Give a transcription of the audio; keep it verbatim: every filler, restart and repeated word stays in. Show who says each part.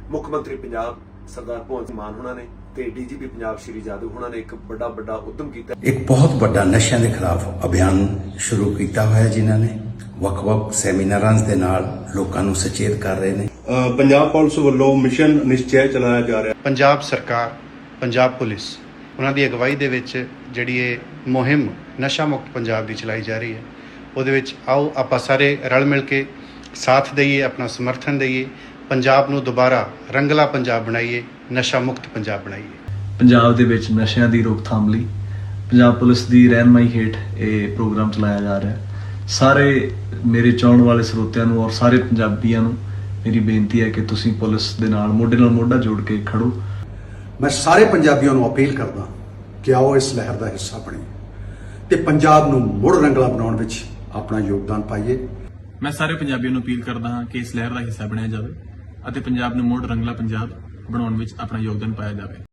Speaker 1: ਮੁੱਖ ਮੰਤਰੀ ਪੰਜਾਬ ਸਰਦਾਰ ਭਗਵੰਤ ਸਿੰਘ ਮਾਨ ਹੋਣਾ ਨੇ ਤੇ ਡੀਜੀਪੀ ਪੰਜਾਬ ਸ਼੍ਰੀ ਜਾਦੂ ਹੋਣਾ ਨੇ ਇੱਕ ਵੱਡਾ ਵੱਡਾ ਉਦਮ ਕੀਤਾ।
Speaker 2: ਇੱਕ ਬਹੁਤ ਵੱਡਾ ਨਸ਼ਿਆਂ ਦੇ ਖਿਲਾਫ ਅਭਿਆਨ ਸ਼ੁਰੂ ਕੀਤਾ ਹੋਇਆ ਜਿਨ੍ਹਾਂ ਨੇ ਵੱਖ-ਵੱਖ ਸੈਮੀਨਾਰਾਂ ਦੇ ਨਾਲ ਲੋਕਾਂ ਨੂੰ ਸੁਚੇਤ ਕਰ ਰਹੇ ਨੇ।
Speaker 3: ਪੰਜਾਬ ਪੁਲਿਸ ਵੱਲੋਂ ਮਿਸ਼ਨ ਨਿਸ਼ਚੈ ਚਲਾਇਆ ਜਾ ਰਿਹਾ।
Speaker 4: ਪੰਜਾਬ ਸਰਕਾਰ, ਪੰਜਾਬ ਪੁਲਿਸ ਉਹਨਾਂ ਦੀ ਅਗਵਾਈ ਦੇ ਵਿੱਚ ਜਿਹੜੀ ਇਹ ਮੁਹਿੰਮ ਨਸ਼ਾ ਮੁਕਤ ਪੰਜਾਬ ਦੀ ਚਲਾਈ ਜਾ ਰਹੀ ਹੈ, ਉਹਦੇ ਵਿੱਚ ਆਓ ਆਪਾਂ ਸਾਰੇ ਰਲ ਮਿਲ ਕੇ ਸਾਥ ਦਈਏ, ਆਪਣਾ ਸਮਰਥਨ ਦਈਏ, ਪੰਜਾਬ ਨੂੰ ਦੁਬਾਰਾ ਰੰਗਲਾ ਪੰਜਾਬ ਬਣਾਈਏ, ਨਸ਼ਾ ਮੁਕਤ ਪੰਜਾਬ ਬਣਾਈਏ।
Speaker 5: ਪੰਜਾਬ ਦੇ ਵਿੱਚ ਨਸ਼ਿਆਂ ਦੀ ਰੋਕਥਾਮ ਲਈ ਪੰਜਾਬ ਪੁਲਿਸ ਦੀ ਰਹਿਨਮਾਈ ਹੇਠ ਇਹ ਪ੍ਰੋਗਰਾਮ ਚਲਾਇਆ ਜਾ ਰਿਹਾ ਹੈ। ਸਾਰੇ ਮੇਰੇ ਚਾਹਣ ਵਾਲੇ ਸਰੋਤਿਆਂ ਨੂੰ ਔਰ ਸਾਰੇ ਪੰਜਾਬੀਆਂ ਨੂੰ ਮੇਰੀ ਬੇਨਤੀ ਹੈ ਕਿ ਤੁਸੀਂ ਪੁਲਿਸ ਦੇ ਨਾਲ ਮੋਢੇ ਨਾਲ ਮੋਢਾ ਜੋੜ ਕੇ ਖੜੋ।
Speaker 2: ਮੈਂ ਸਾਰੇ ਪੰਜਾਬੀਆਂ ਨੂੰ ਅਪੀਲ ਕਰਦਾ ਕਿ ਆਓ ਇਸ ਲਹਿਰ ਦਾ ਹਿੱਸਾ ਬਣੀਏ ਤੇ ਪੰਜਾਬ ਨੂੰ ਮੁੜ ਰੰਗਲਾ ਬਣਾਉਣ ਵਿੱਚ ਆਪਣਾ ਯੋਗਦਾਨ ਪਾਈਏ।
Speaker 6: ਮੈਂ ਸਾਰੇ ਪੰਜਾਬੀਆਂ ਨੂੰ ਅਪੀਲ ਕਰਦਾ ਹਾਂ ਕਿ ਇਸ ਲਹਿਰ ਦਾ ਹਿੱਸਾ ਬਣਿਆ ਜਾਵੇ ਅਤੇ ਪੰਜਾਬ ਨੂੰ ਮੁੜ ਰੰਗਲਾ ਪੰਜਾਬ ਬਣਾਉਣ ਵਿੱਚ ਆਪਣਾ ਯੋਗਦਾਨ ਪਾਇਆ ਜਾਵੇ।